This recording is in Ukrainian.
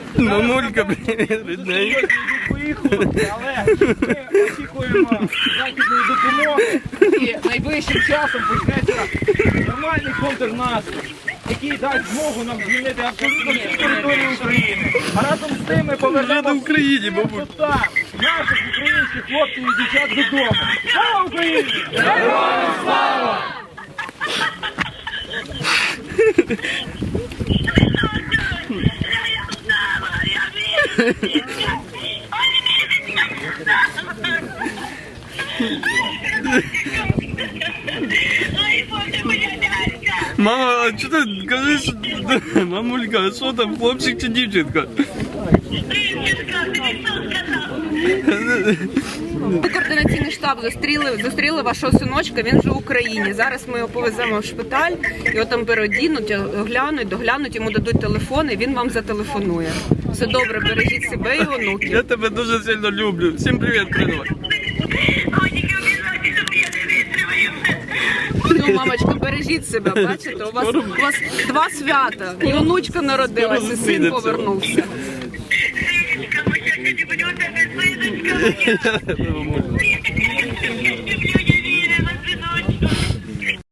Мамулька, привіт, рідненька. Поїхали, але ми очікуємо західної допомоги і найближчим часом почнеться нормальний контрнаступ, який дасть змогу нам звільнити абсолютно всю територію України. А разом з тим ми повернемо в Україні, бабуль. наших українських хлопців і дівчат додому. Слава Україні! Героям слава! Мама, а що ти кажеш? Мамулька, а що там, хлопчик чи дівчинка? Координаційний штаб зустріли вашого синочка, він вже в Україні. Зараз ми його повеземо в шпиталь, його там переодінуть, доглянуть, йому дадуть телефон і він вам зателефонує. Все добре, бережіть себе і онуків. Я тебе дуже сильно люблю. Всім привіт, передавай. Ну, мамочка, бережіть себе, бачите, у вас 2 свята. І онучка народилася, і син повернувся. Я тебе люблю.